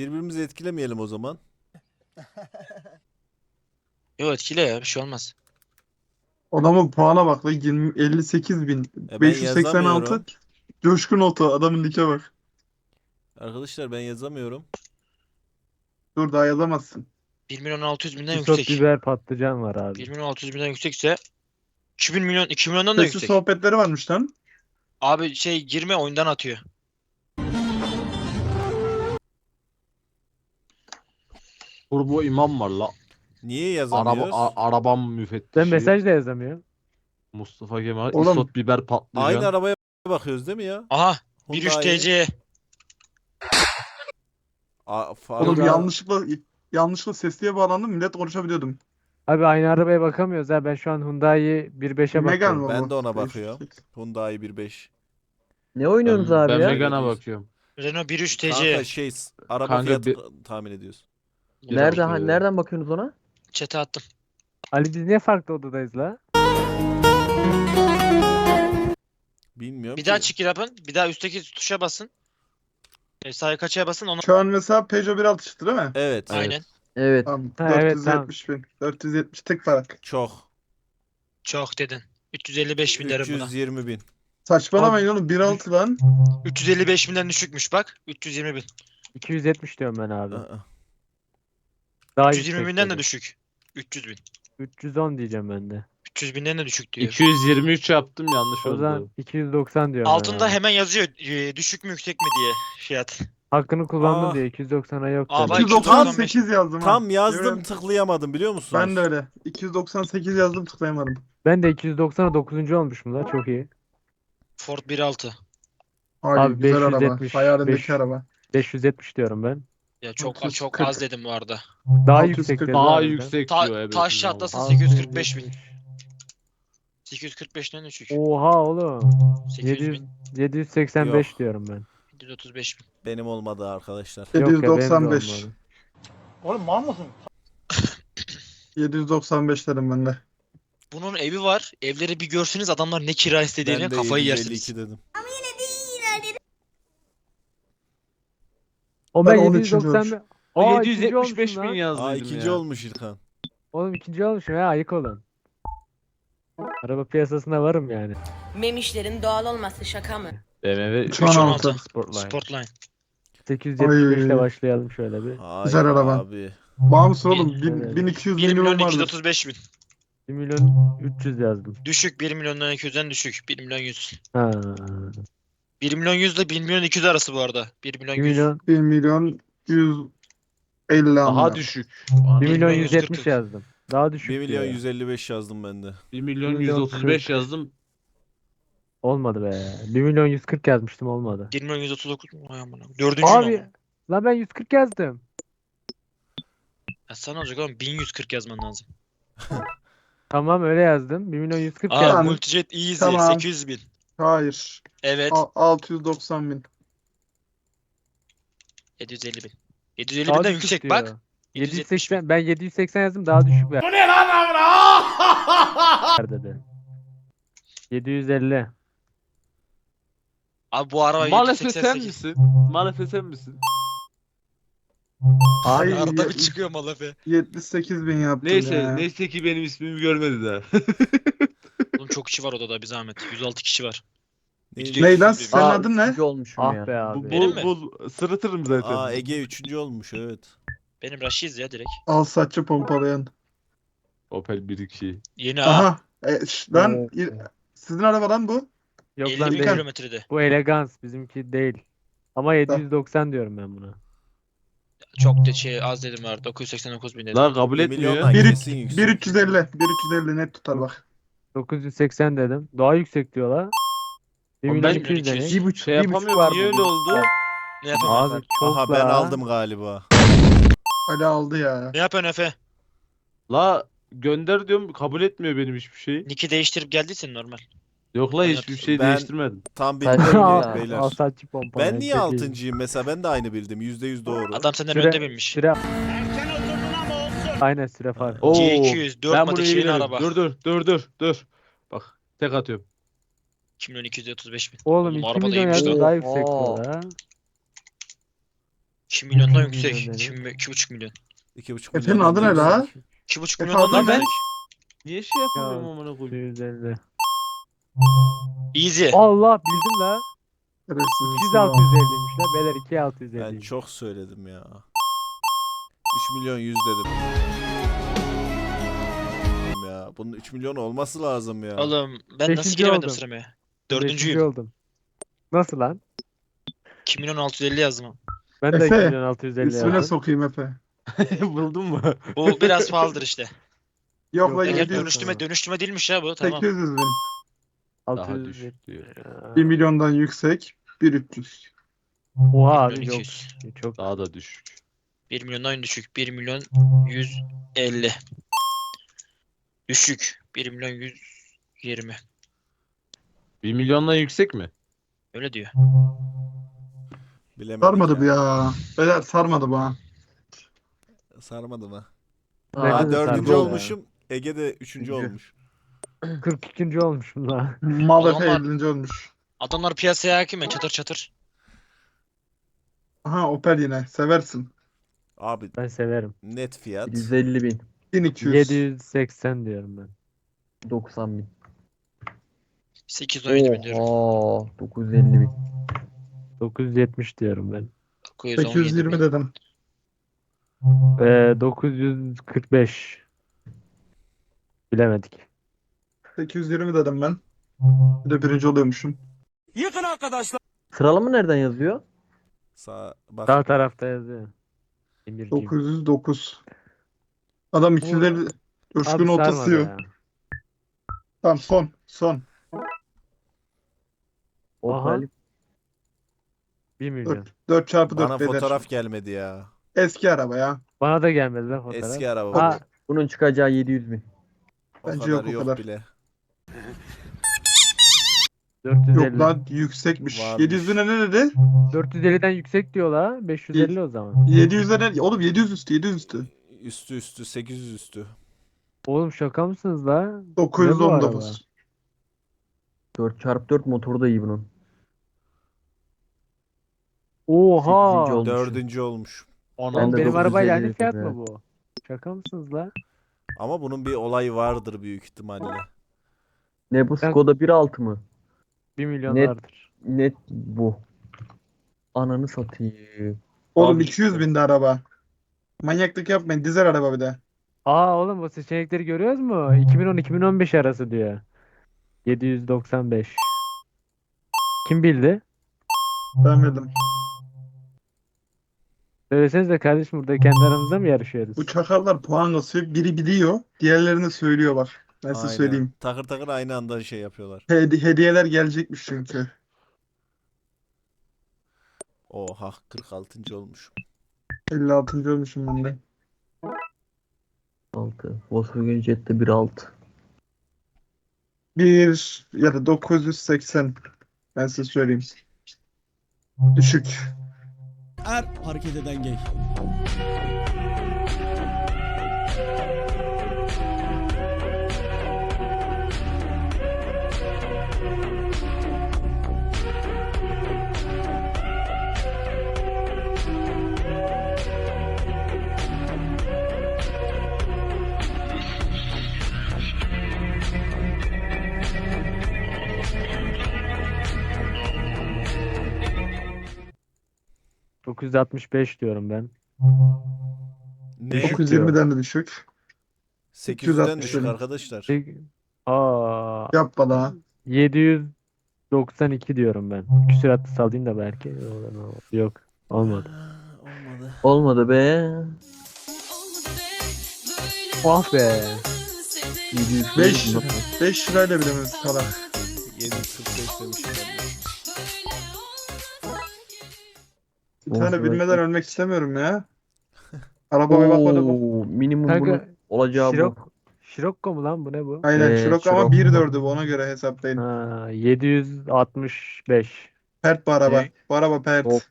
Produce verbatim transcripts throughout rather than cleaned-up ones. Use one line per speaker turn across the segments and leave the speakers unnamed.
Birbirimizi etkilemeyelim o zaman.
Yok etkile ya, bir şey olmaz.
Adamın puana bak lan, yirmi elli sekiz bin
E ben
beş yüz seksen altı.
yazamıyorum.
Coşkun Oto, adamın like bak.
Arkadaşlar ben yazamıyorum.
Dur, daha yazamazsın.
bir milyon altı yüz binden
Isot
yüksek.
biber patlıcan var abi.
bir milyon altı yüz binden yüksekse iki bin milyon iki milyondan da
Sesli
yüksek.
sohbetleri varmış lan.
Abi şey girme oyundan atıyor.
Turbo imam var la.
Niye
Araba,
yazamıyoruz?
a- arabam müfettişi.
Ben mesaj da yazamıyorum.
Mustafa Kemal.
Oğlum.
Isot biber patlıcan.
Aynı arabaya bakıyoruz değil mi ya?
Aha bir üç
Hyundai.
T C.
A, farklı-
Oğlum
Burada-
yanlışlıkla yanlışlıkla sesliye bağlandım, millet konuşabiliyordum.
Abi aynı arabaya bakamıyoruz ha. Ben şu an Hyundai bir beşe
Megane
bakıyorum.
mı
Ben
bu?
de ona
beş yüz
bakıyorum.
seksen.
Hyundai bir beş.
Ne oynuyorsunuz
ben,
abi
ben
ya?
Megane'a bakıyorum.
Renault bir üç T
Kanka
C.
şey araba
Kanka
fiyatı
bir-
tahmin ediyoruz.
Nerede
Yazar,
ha,
e,
nereden bakıyorsunuz ona?
Çete attım.
Ali biz niye farklı odadayız la?
Bilmiyorum
Bir daha
ki.
çık yapın. Bir daha üstteki tuşa basın. E, sağ kaçaya basın onu.
Şu an mesela Peugeot bir altı çıktı değil mi?
Evet.
Aynen.
Evet.
Tamam.
Ha, evet,
dört yüz yetmiş bin. dört yüz yetmiş tek fark.
Çok.
Çok dedin. üç yüz elli beş bin derim buna.
üç yüz yirmi bin.
Saçmalamayın oğlum, bir altı lan.
üç yüz elli beş binden düşükmüş bak. üç yüz yirmi bin.
iki yüz yetmiş diyorum ben abi.
Aa.
Daha
üç yüz yirmi
yüksek
binden de
dedim.
düşük. üç yüz bin.
üç yüz on diyeceğim ben de.
üç yüz binden de düşük diyor.
iki yüz yirmi üç yaptım, yanlış
O
oldu.
zaman iki yüz doksan diyorum ben
Altında
abi.
hemen yazıyor e, düşük mü yüksek mi diye fiyat.
Hakkını kullandım
Ah.
diye iki yüz doksana yok
Aa,
dedim.
bak-
iki yüz doksan sekiz yazdım ha.
Tam yazdım
Görüyorum.
tıklayamadım biliyor musunuz?
Ben de öyle. iki yüz doksan sekiz yazdım, tıklayamadım.
Ben de iki yüz doksana dokuzuncu olmuşum la, çok iyi.
Ford bir altı.
Abi,
Abi
güzel araba.
beş yüz yetmiş,
Hayalindeki
beş-
araba.
beş yüz yetmiş diyorum ben.
Ya çok
otuz,
çok
kırk.
az dedim bu arada.
Daha
altı yüz
yüksek
kırk.
dedim
Daha
abi ben.
yüksek
Ta-
diyor. Evet,
taş
bravo.
çatlasın
altı
sekiz yüz
yüz
kırk beş bin.
yetmiş.
sekiz yüz kırk beşten düşük.
Oha oğlum.
sekiz yüz
yedi yüz,
bin.
yedi yüz seksen beş
Yok.
diyorum ben.
yedi yüz otuz beş bin.
Benim olmadı arkadaşlar.
Yok ya, benim de
yedi yüz doksan beş.
olmadı.
yedi yüz doksan beş dedim ben de.
Bunun evi var. Evleri bir görseniz adamlar ne kira istediğini
Ben de
kafayı
yedi yüz elli
yersiniz.
iki dedim.
O
Ben
ben
on
yedi yüz
üçüncü
doksan
olmuş.
beş.
O
Aa,
yedi yüz
ikinci
yetmiş beş
olmuşum
bin
lan.
yazdıydım
Aa
ya.
ikinci olmuş İlkan.
Oğlum ikinci olmuşum ya, ayık olun. Araba piyasasında varım yani.
Memişlerin doğal olması şaka mı?
B M W
üç yüz on altı.
Sportline.
Sportline.
sekiz yüz yetmiş beş ile
Ay.
başlayalım şöyle bir.
Hayır
Güzel araba.
abi.
Bağımsız oğlum.
Evet.
bin, bin iki yüz
bir milyon
minimum
iki yüz
vardır.
otuz beş bin.
bir milyon üç yüz yazdım.
Düşük bir milyondan iki yüzden düşük. bir milyon yüz.
Ha.
bir milyon yüz ile bir milyon iki yüz arası bu arada. bir milyon
bir
yüz.
milyon
bir milyon yüz elli
Daha
ama.
düşük.
bir milyon
milyon
yüz
yüz
yetmiş
kırk.
yazdım. Daha düşük
bir milyon
diyor.
yüz elli beş yazdım ben de.
bir milyon
bir
yüz
milyon
otuz beş
kırk.
yazdım.
Olmadı be. bir milyon yüz kırk yazmıştım, olmadı.
bir milyon yüz otuz dokuz. Vay amına. Dördüncü
Abi
mü?
lan ben yüz kırk yazdım.
Ya sana olacak oğlum bin yüz kırk yazman lazım.
Tamam öyle yazdım. bir milyon yüz kırk
Aa
yazdım.
Multijet Easy
Tamam.
sekiz yüz bin.
Hayır.
Evet.
A- altı yüz doksan bin.
yedi yüz elli bin. yedi yüz elli
Daha
binden
düşük
yüksek
diyor.
bak. yedi yüz yetmiş bin.
yedi yüz seksen, ben yedi yüz seksen yazdım, daha düşük ver. Bu ne lan dedi. yedi yüz elli.
Abi bu araba
Malefe
yedi yüz seksen
sen
sekiz.
misin? Malefe sen misin?
Ay,
Arada
ye-
bir çıkıyor Malefe.
yetmiş sekiz bin yaptım
Neyse,
ya.
neyse ki benim ismimi görmedi daha.
Oğlum çok kişi var odada bir zahmet. yüz altı kişi var.
Neydi?
Ney lan,
Aa,
senin adın ne?
üçüncü olmuşum
Ah
ya.
be abi.
Bu,
Benim
bu,
mi?
bu sırıtırım zaten.
Aa Ege üçüncü olmuş evet.
Benim Raşiz ya direkt.
Al saçı pompalayan.
Opel bir iki.
Yeni ha.
Aha. E, şş, lan
Oo.
il- sizin araba lan bu.
Yok
elli
lan
bin
değil.
kilometrede.
Bu elegans, bizimki değil. Ama yedi yüz doksan diyorum ben buna.
Çok de şey az dedim var. dokuz yüz seksen dokuz bin dedim.
La kabul
Bir
etmiyor.
milyondan
Bir
kesin yüksek.
bir üç yüz elli. bir üç yüz elli net tutar bak.
dokuz yüz seksen dedim. Daha yüksek diyorlar. bir
Oğlum
milyon
ben
iki yüz
iki yüz.
demek.
Bir buçuk,
Şey
bir buçuk
yapamıyorum.
var
Niye öyle
bugün.
oldu?
Ne yapıyorsun?
Abi çok
Aha ben
la.
aldım galiba.
Ali aldı ya.
Ne yapıyorsun Efe?
La gönder diyorum, kabul etmiyor benim hiçbir şey.
Nick'i değiştirip geldiysen normal.
Yok la,
Ben
hiçbir şey
Ben-
değiştirmedim.
Tam
Ben-
bilmiyorum
Al-
beyler.
Al saçı pompala.
Ben niye altıncıyım mesela? Ben de aynı bildim. yüzde yüz doğru.
Adam senden
Süre-
önde binmiş.
Süre... Aynen süre farkı.
Oo,
G iki yüz dört
ben
mat
bunu
iki
iyi
bin
bilirim.
araba.
Dur dur dur dur dur. Bak tek atıyorum.
iki milyon iki yüz otuz beş bin.
Oğlum
Oğlum
iki
araba da
milyon
iyiymiş
yazdım,
lan.
daha yüksek
Oha.
diyorlar ha.
iki milyondan
İki
yüksek.
milyon
iki,
dedi.
iki buçuk milyon.
iki buçuk
Efe'nin
milyon
adı ne
yüksek.
la?
iki buçuk
Efe
milyondan
adı
da
ne?
yüksek.
Niye şey yapamıyorum
Ya,
amına koyayım?
yüz elli.
Easy.
Allah bildim la.
Şerefsiz
iki
misin
altı
ya?
yüz elliymiş la. Beyler iki altı yüz
Ben
elliymiş.
çok söyledim ya. üç milyon yüz dedim. Ya bunun üç milyon olması lazım ya.
Oğlum ben nasıl
Beşinci
giremedim
oldum.
sıramaya?
Beşinci
Dördüncüyüm.
oldum. Nasıl lan?
iki milyon altı yüz elli yazdım.
Ben de
Efe,
iki milyon altı yüz elli
İsmine
yazdım.
sokayım Efe.
Buldun mu?
Bu biraz pahalıdır işte.
Yok
Yok,
la
Ege
Ege
yedi yüz.
dönüştürme dönüştürme değilmiş ya bu. Tamam.
sekiz yüz bin.
Daha
altı yüz
düşük diyor.
bir milyondan yüksek. bir üç yüz.
Oha
bir
abi
milyon
çok.
iki yüz.
Çok.
Daha da düşük.
bir milyondan düşük. bir milyon yüz elli. Düşük. bir milyon yüz yirmi.
bir milyondan yüksek mi?
Öyle diyor.
Bilemedik
Sarmadı bu
ya.
ya. Beyler sarmadı bana.
Sarmadı mı?
Bence
Aa,
de
dördüncü
sarmadı ya.
olmuşum. Ege de üçüncü
Üçüncü.
olmuş.
kırk ikinci olmuşum la.
Mal Efe
Adamlar-
ellinci olmuş.
Adamlar piyasaya hakim ya çatır çatır.
Aha Opel yine. Seversin.
Abi
Ben severim.
net fiyat.
yüz elli bin.
bin iki yüz.
yedi yüz seksen diyorum ben.
doksan bin.
sekiz yüz on yedi bin diyorum.
Oha. dokuz yüz elli bin.
dokuz yüz yetmiş diyorum ben.
dokuz yüz on
sekiz yüz
yedi
yirmi
bin.
dedim.
Ee, dokuz yüz kırk beş. Bilemedik.
sekiz yüz yirmi dedim ben. Bir de birinci oluyormuşum.
Sıralama nereden yazıyor?
Sağ bak.
Sağ tarafta yazıyor. Emirciğim.
dokuz yüz dokuz. Adam ikileri
Abi
coşkun
sarmadı
ortasıyor.
ya.
Tamam son. Son.
Aha.
Opel.
bir milyon.
dört, dört çarpı
Bana
dört beyler.
fotoğraf gelmedi ya.
Eski araba ya.
Bana da gelmedi lan fotoğraf.
Eski araba.
Ha,
Bunun çıkacağı yedi yüz bin.
o
bence
kadar
yok o
yok
kadar.
bile.
dört yüz elli.
Yok lan yüksekmiş.
Varmış.
yedi yüz bine ne dedi?
dört yüz elliden yüksek diyor la. beş yüz elli o zaman.
yedi yüze ne? Oğlum yedi yüz üstü yedi yüz üstü.
Üstü üstü sekiz yüz üstü.
Oğlum şaka mısınız la?
dokuz yüz
Ne bu
on
araba?
dokuz.
dört çarpı dört motoru da iyi bunun.
Oha.
sekizinci olmuş.
Dördüncü olmuş.
Lan
Ben de
benim
dokuz yüz
arabayla
elli
aynı fiyat
dedim
mı bu? Şaka mısınız la?
Ama bunun bir olayı vardır büyük ihtimalle.
Ne bu
Ben-
Skoda bir altı mı?
bir milyon
Net.
vardır.
Net bu. Ananı satayım.
Oğlum
Abi-
iki yüz binde araba. Manyaklık yapmayın. Dizel araba bir de.
Aa oğlum bu seçenekleri görüyoruz mu? iki bin on iki bin on beş arası diyor. yedi yüz doksan beş. Kim bildi?
Ben bildim.
Söylesenize kardeşim burada kendi aramızda mı yarışıyoruz?
Bu çakallar puan kasıyor. Biri biliyor. Diğerlerini söylüyor bak. Ben size
Aynen.
söyleyeyim.
Takır takır aynı anda şey yapıyorlar.
Hedi- hediyeler gelecekmiş çünkü.
Oha kırk altıncı olmuş.
elli altıncı olmuşum ben de.
altı. Volkswagen Jetta bir altı.
bir ya da dokuz yüz seksen. Ben size söyleyeyim. Düşük.
Er hareket eden gay.
dokuz yüz altmış beş diyorum ben.
Ne?
Düşük
dokuz yüz
diyor.
yirmiden de düşük.
sekiz yüzden
altmış
düşük
öyle.
arkadaşlar.
Peki- Aa,
Yapma daha.
yedi yüz doksan iki diyorum ben. Küsuratlı salayım da belki. Yok, Yok olmadı.
Aa, Olmadı.
Olmadı be.
Ah be.
yedi yüz
beş
bin.
beş lirayla bilemez salak.
yedi yüz kırk beş demişim ben de.
Bir tane
Olsun,
bilmeden
olsun.
ölmek istemiyorum ya. Arabaya bakmadım.
Oo, minimum bunun
Kanka
olacağı bu.
Şirok, Şirokko mu lan bu ne bu?
Aynen
Ee,
Şirok ama
Scirocco.
bir dördü bu, ona göre hesaplayın.
Ha, yedi yüz altmış beş.
Pert bu araba.
Ne?
Bu araba pert.
Hop.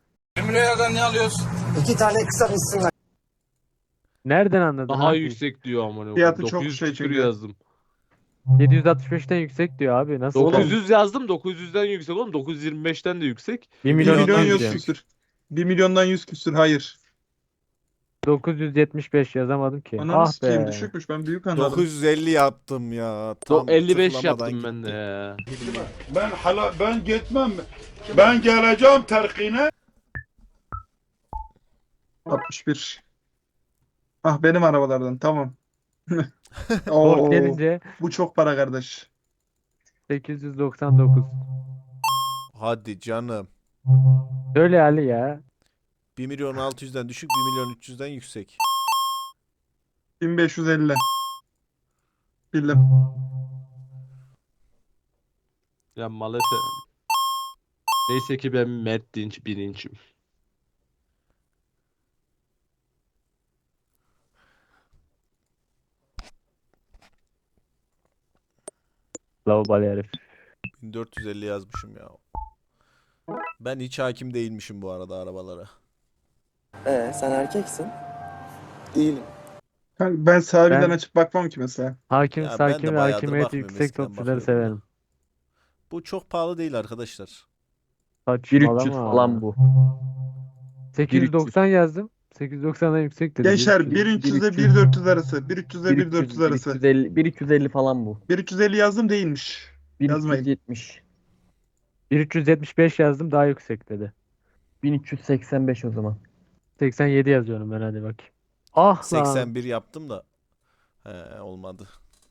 Nereden anladın
Daha
abi?
yüksek diyor amına koyayım.
Fiyatı çok
dokuz yüz
şey
küsür
çünkü.
yazdım.
yedi yüz altmış beşten yüksek diyor abi. Nasıl?
dokuz yüz yazdım. dokuz yüzden yüksek oğlum. dokuz yüz yirmi beşten de yüksek.
bir
bir
milyon
milyon
iki yüz
yüz
diyor.
küsür. bir milyondan yüz küsür hayır.
dokuz yüz yetmiş beş yazamadım ki.
Ananı
Ah
sikeyim
be.
düşükmüş ben büyük anladım.
dokuz yüz elli yaptım ya. Tam
Do- elli beş
tıklamadan
yaptım ben de
gitti.
ya.
Ben hala ben gitmem. Ben geleceğim terkine.
altmış bir. Ah benim arabalardan tamam.
Ford
Oo,
gelince
bu çok para kardeş.
sekiz yüz doksan dokuz.
Hadi canım.
Öyle Ali ya.
bir milyon altı yüzden düşük, bir milyon üç yüzden yüksek.
bin beş yüz elli. Bildim.
Ya Malefe. Neyse ki ben Mert Dinç birincim.
Lavabali herif.
bin dört yüz elli yazmışım ya. Ben hiç hakim değilmişim bu arada arabalara.
Ee, sen erkeksin. Değilim.
Ben, ben sahibiden
Ben-
açıp bakmam ki mesela.
Hakim,
Ya ben
sakin
de
ve
bayağıdır
hakimiyeti
bakmıyorum,
yüksek
eskiden
topçuları
bakıyordum da.
severim.
Bu çok pahalı değil arkadaşlar.
bin üç yüz
Saçmalama.
falan bu.
sekiz yüz doksan yazdım. sekiz yüz doksandan yüksek dedi.
Gençler
Bir-
bir üç yüz ile bir dört yüz arası. bir üç yüz ile bir dört yüz arası.
bir üç yüz elli, bir üç yüz elli falan bu.
bir üç yüz elli yazdım değilmiş. Yazmayın.
bin üç yüz yetmiş.
bir üç yüz yetmiş beş yazdım daha yüksek dedi.
bin üç yüz seksen beş o zaman.
seksen yedi yazıyorum ben hadi bakayım. Ah lan.
seksen bir yaptım da. He, olmadı.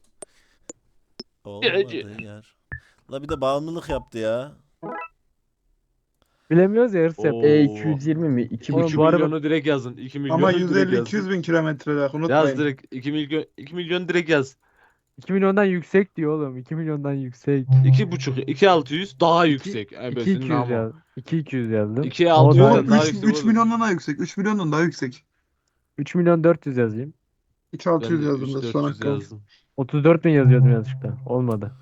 Olmadı yer. La bir de bağımlılık yaptı ya.
Bilemiyoruz ya hırs
Oo.
yapıyor.
E iki yüz yirmi mi? iki
Oğlum
buçuk.
bu araba-
milyonu direkt yazın. iki milyonu
Ama
direkt
yüz elli
yazın.
iki yüz bin kilometre daha
Yaz
unutmayın.
direkt iki milyon iki milyon direkt yaz.
iki milyondan yüksek diyor oğlum. iki milyondan yüksek.
iki buçuk iki altı yüz daha yüksek.
iki
Ebesin
iki yüz
ama.
yaz. iki iki yüz yazdım.
iki
O
altı
da-
yüzden
Oğlum
daha
üç,
yüksek
üç
oğlum.
milyondan daha yüksek. üç milyondan daha yüksek.
üç milyon dört yüz yazayım.
üç altı yüz
Ben de
yazdım da
üç
son
dört yüz
hakkım.
yazdım.
otuz dört bin yazıyordum yanlışlıkla. Olmadı.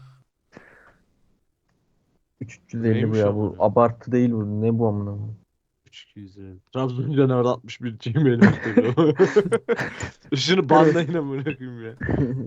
üç yüz elli bu
Neymiş
ya
o
bu.
bu?
Abartı değil bu. Ne bu amına koyayım?
üç iki yüz elli. Trabzon'dan orada altmış bir Gmail bakıyor. Şunu banlayın amına koyayım ya.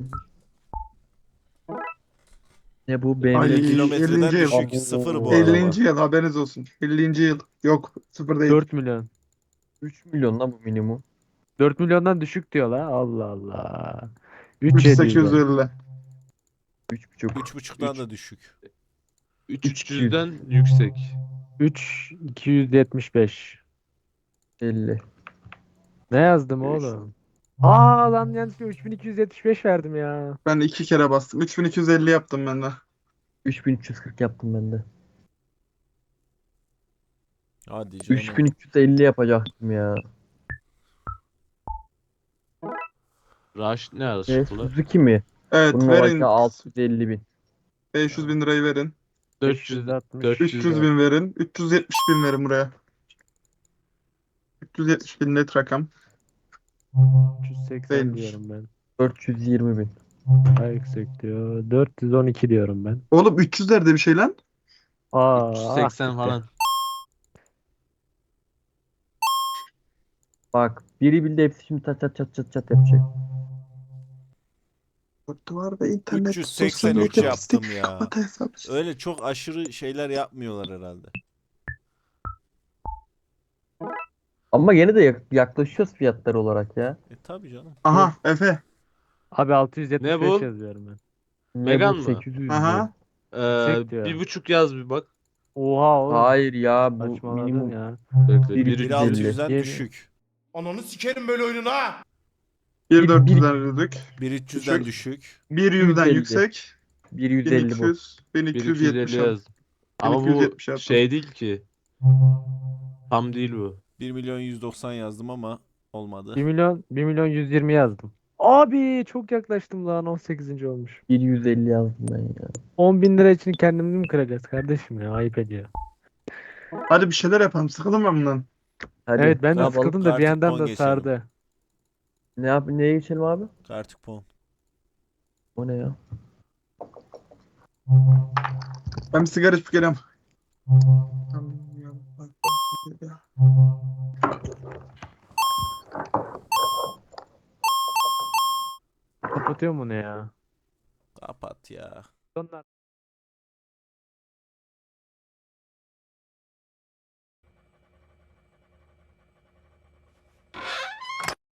Ne bu?
Ay,
B M W
kilometreden
ellinci yıl.
düşük. Sıfır bu araba.
ellinci yıl haberiniz olsun. ellinci yıl. Yok sıfır değil.
dört milyon.
üç milyon lan bu minimum.
dört milyondan düşük diyor la. Allah Allah.
üç
üç
yüz sekiz yüz
yedi yüz.
elli.
üç buçuk.
üç buçuktan da düşük.
üç üç yüzden yüksek.
üç iki yüz yetmiş beş.
elli.
Ne yazdım oğlum? Aa lan yanlışlıkla üç bin iki yüz yetmiş beş verdim ya.
Ben iki kere bastım. üç bin iki yüz elli yaptım ben de.
üç bin üç yüz kırk yaptım ben de.
Hadi canım.
üç bin üç yüz elli yapacaktım ya.
Raş ne
E,
araştırdı?
Suzuki mi?
Evet
Bunun
verin.
oradaki altı yüz elli bin.
beş yüz bin lirayı verin.
dört yüz
altmış.
dört
üç yüz bin verin. üç yüz yetmiş bin verin buraya. üç yüz yetmiş bin net rakam.
üç yüz seksen
Değilmiş.
diyorum ben.
dört yüz yirmi bin.
Daha yüksek diyor. dört yüz on iki diyorum ben.
Oğlum üç yüzlerde bir şey lan.
Aa,
üç yüz
ah
seksen
gitti.
falan.
Bak biri bildi hepsi şimdi çat çat çat çat çat yapacak.
Duvar ve internet.
üç yüz
sosyal
seksen üç
medya,
yaptım
pislik,
ya.
kapat hesap.
Öyle çok aşırı şeyler yapmıyorlar herhalde.
Ama gene de yak- yaklaşıyoruz fiyatlar olarak ya.
E tabi canım.
Aha Efe.
Abi altı yüz yetmiş beş
Ne bu?
yazıyorum ben.
Ne
Megan
bu
mı?
sekiz yüz
Aha.
Ee,
Yüksek diyor.
bir buçuk yaz bir bak.
Oha oğlum.
Hayır ya bu
Saçmaladın
minimum.
ya.
Bekle.
Bir
Bir
üç
bir
yüz
altı
elli.
yüzden
Yeni.
düşük.
Ananı sikerim böyle oyunun ha.
bir
Bir-
dört
bir-
yüzden yürüdük.
bir üç yüzden
Düşük.
düşük.
bir yüzden
yüz elli.
yüksek.
bir yüz
bin
elli
iki
bu.
yüz. bin iki yüz yetmiş.
elli yazdım. Ama
bin iki yüz
bu
yetmiş yaptım.
şey değil ki. Tam değil bu.
bir milyon yüz doksan yazdım ama olmadı.
bir milyon bir milyon yüz yirmi yazdım. Abi çok yaklaştım lan on sekizinci olmuş.
bir yüz elli yazdım ben ya.
on bin lira için kendimizi mi kıracağız kardeşim ya ayıp ediyor.
Hadi bir şeyler yapalım. Sıkıldım ben bundan.
Hadi
Evet ben
ne
de
yapalım?
sıkıldım da bir
Artık
yandan
on
da
geçelim.
sardı.
Ne yap neye geçelim abi?
Artık puan.
O ne ya?
Ben bir sigara içip geliyorum.
Kapatıyor mu ne ya?
Kapat ya.
Onlar